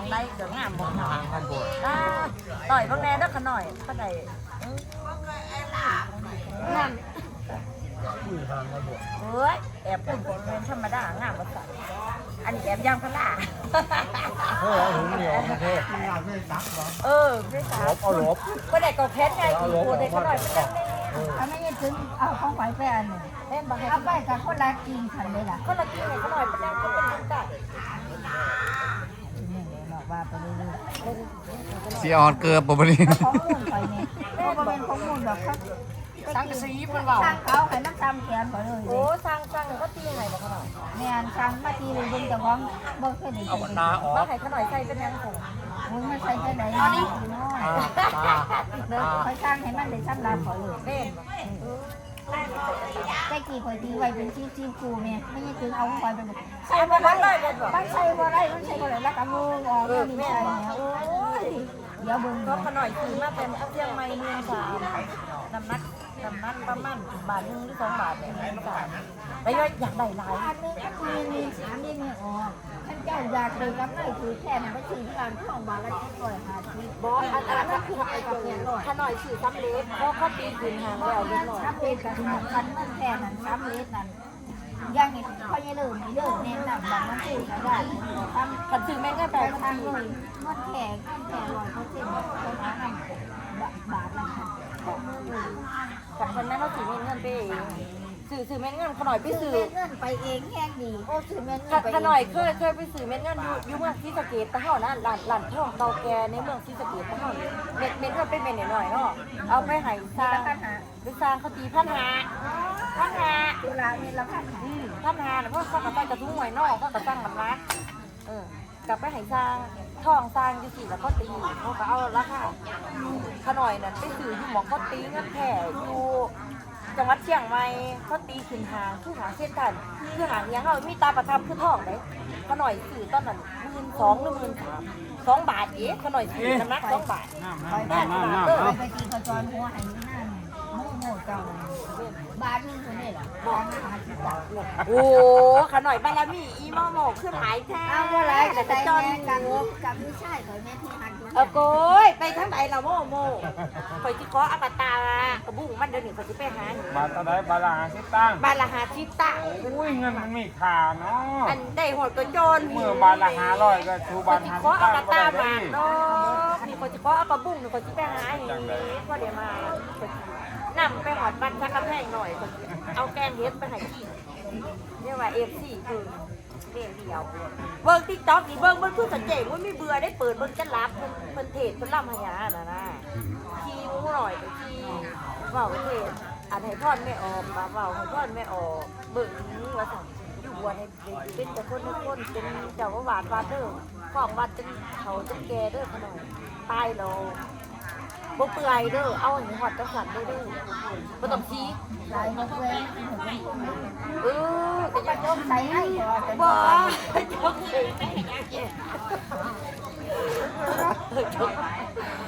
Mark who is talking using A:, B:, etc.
A: ได้เดี๋ยวงามบอกต่อยบางแน่ด้วยขน่อยก็ได้งามเฮ้ยแอบเป็นเป็นธรรมดางามมาสั่นอันนี้แอบย่างพลา
B: ถุงเหนียวประเทศ
A: ไม่ซักเอาลบก็ได้ก็แค่ไงอีกตัวเด็กก็หน่อยเป็นนั่ง
C: อันนี้ถึงเอาของไฟแปนเนี่ย
A: เล่นบาง
C: เอาไปกับคนละกินขันเลยล่ะ
A: คนละกินไงก็หน่อยเป็นนั่งก็เป็นนั่งได้
C: นี่เลยบอกว่าไปเรื่อย
D: ๆสีอ่อนเกลือปบนี้
C: ของมูลไปเนี่ยเพราะว่าเป็นของมูลแบบเขา
A: สั่งซีมันเปล่า
C: สั่งเขาให้มันทำแขนเขาเลย
A: โอ้สั่งก็ตีไงบอกเขาหน่อย
C: เนี่ยสั่งมาตีเลยดึงจากของบ่เคยได้
B: เอาตาออก
A: ว่าให้เขาหน่อยใส่เป็นยังไง
C: มึงไม่ใช่แค่ไหนอันนี้คอยสร้างให้มันได้สำหรับเขาเลย
A: เล่น
C: ใจกี่คอยตีไว้เป็นชิ้นๆกูเนี่ยไม่ใช่ถึงเอาคอยเป็น
A: ใส่บ่ได้
C: มันใส่บ่ได้มันใส่บ่ได้แล้วก็มือออกนี่ใส่เนี่ยโอ้ยเดี๋ยวเบิ่ง
A: ก็ขน่อยซื้อมาเป็นเชียงใหม่เมืองสามน้ำนักประมาณบาท1 หรือ 2 บาทเนี่ยแล้วอยากได้หลาย
C: อันนี้ก็มี3นี่ออกท่านเจ้าอยากเลยกับไม่ถือแค่นั้นก็ถือการท่องบาทละ750
A: บ่อันนั้นคือไอ้กับเนี่ยขน่อยซื้อซ้ำเล็กเพราะเขาตีคืนหางแล้วนิดหน่อย
C: 3 เมตรกันมันแค่นั้น3 เมตรนั่นยังนี่เขายังเลิกนี่เลิกแน่นหนักแบบนั้นสิได้ทำ
A: ขันซื้อแม่ก็ไป
C: ทางเลยมันแข็ง100%คนหาทำบาทละค่ะ
A: กับคนนั้นเขาถือเงินไปเองซื้อเม็ดเงินขน่อยไปซื้อ
C: เงินไปเองแห้งดีโอ้ซื้อเม็ดเงินไป
A: ขน่อยเคยไปซื้อเม็ดเงินอยู่เมืองศรีสะเกษตะเฮานะหลานท่องเก่าแก่ในเมืองศรีสะเกษตะเฮาเม็ดเงินเป็นเม็ดหน่อยเนาะเอาไปให้สร้างไปสร้างเขาตี1,500
C: ตุลาเนี่ยเราพัน
A: หาเพราะเขากระตั้งกระทุ้งหน่วยนอกเขากระตั้งมันรักกลับไปให้สร้างท่องสร้างอยู่สิแล้วก็ตีเขาก็เอาราคาขน่อยนั่นไปซื้ออยู่หมองเขาตีเงินแผ่อยู่จังหวัดเชียงใหม่เขาตีขึ้นหางคือหางเส้นกันคือหางยังเขามีตาประทับคือท่องเลยขน่อยซื้อตอนนั้น12,000 หรือ13,000 2 บาทเอ๊ะขน่อยซื้อน้ำหนัก2 บาท
C: ไปตีกระจรหัวให้นั่นโม่เจ้าบาทนึงคนนี้เหรอบอก
A: โอ้ขน่อยบารมีอีโมโมขึ้นหายแท้
C: เอาอะไรแต่กระจรกับไม่ใช่ขอยแม่ที่หัน
A: โกยไปทั้งไหนเราโมคอยที่ขออปตากระบุ้งมันเดินหนีคอยที่ไปหา
B: บาทอะไรบาลาชิตั้ง
A: บาลาหาชิตั้ง
B: อุ้ยเงินมันมีค่าเนาะ
A: อันได้หดกระโจน
B: เมื่อบาลา500ก็ชูบาล
A: 5ขออปตามาเนาะมีคนที่ขอเอากระบุ้งหรือคนที่ไปหาอย่างนี้ก็เดี๋ยวมานำไปหอดบ้านชักกระแพงหน่อยเอาแกงเฮ็ดไปให้กินเรียกว่าFCคือเดียวเบิ้งติ๊กต็อกนี่เบิ้งเพื่อสังเกตว่าไม่เบื่อได้เปิดเบิ้งจะรับมันเทศมันล่ำหายานะคีมูหน่อยแต่คีเบาเทศอันให้พ่อนไม่ออกมาเบาให้พ่อนไม่ออกเบิ้งนี่ว่าสั่งอยู่บัวในเป็นแต่คนเป็นเจ้าหวานวาเดอร์ของวัดจนเขาจนแก่เด้อขนาดตายเราบ่เปื่อยเด้อเอาหนูหอดจังสันเด้อบ่ต้องชี้
C: ใส่มาเว้ย
A: แต่ยังต้อง
C: ใส่ให้
A: บ่ต้องใส่